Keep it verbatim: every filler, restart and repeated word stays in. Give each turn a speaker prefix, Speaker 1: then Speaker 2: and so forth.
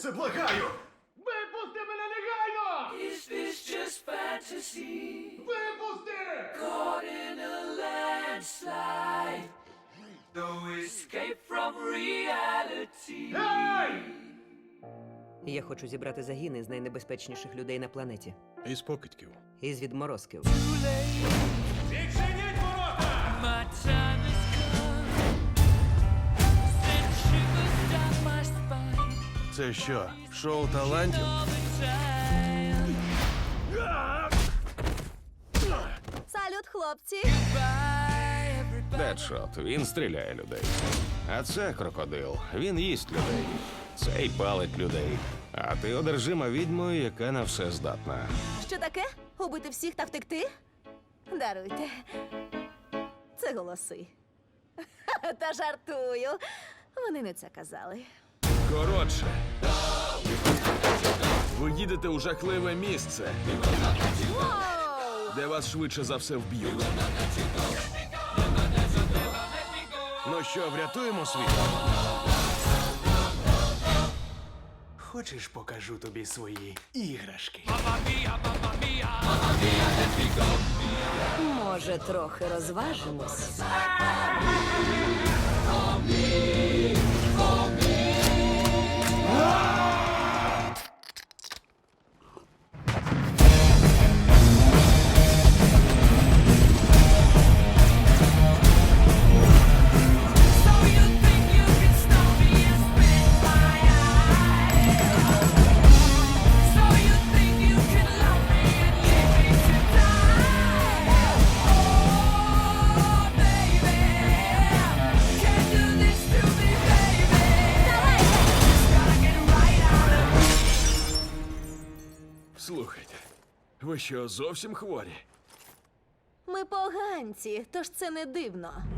Speaker 1: це, благаю!
Speaker 2: Випусти мене негайно!
Speaker 3: Is this just fantasy?
Speaker 2: Випусти!
Speaker 3: Caught in a landslide. No escape from reality.
Speaker 2: Ей!
Speaker 4: Я хочу зібрати загін із найнебезпечніших людей на планеті.
Speaker 5: Із покидьків.
Speaker 4: Із відморозків.
Speaker 2: Відчиніть ворота!
Speaker 3: My time has come. Send shivers down my spine.
Speaker 5: Це що, шоу талантів?
Speaker 3: All the time.
Speaker 6: Салют, хлопці!
Speaker 3: Bye, everybody.
Speaker 7: Дедшот, він стріляє людей. А це крокодил, він їсть людей. Цей палить людей. А ти одержима відьмою, яка на все здатна.
Speaker 6: Що таке? Убити всіх та втекти? Даруйте. Це голоси. Та жартую. Вони не це казали.
Speaker 1: Коротше. Ви їдете у жахливе місце,
Speaker 6: Воу!
Speaker 1: де вас швидше за все вб'ють.
Speaker 5: Ну що, врятуємо світ?
Speaker 1: Хочеш, покажу тобі свої іграшки?
Speaker 6: Може, трохи розважимось?
Speaker 3: So you think you can stop me and spit my eye? So you think you can love me and leave me to die? Oh, baby, can't do this to me, baby. Just gotta get right out of here.
Speaker 1: Слухайте, ви що, зовсім хворі?
Speaker 6: Ми поганці, тож це не дивно.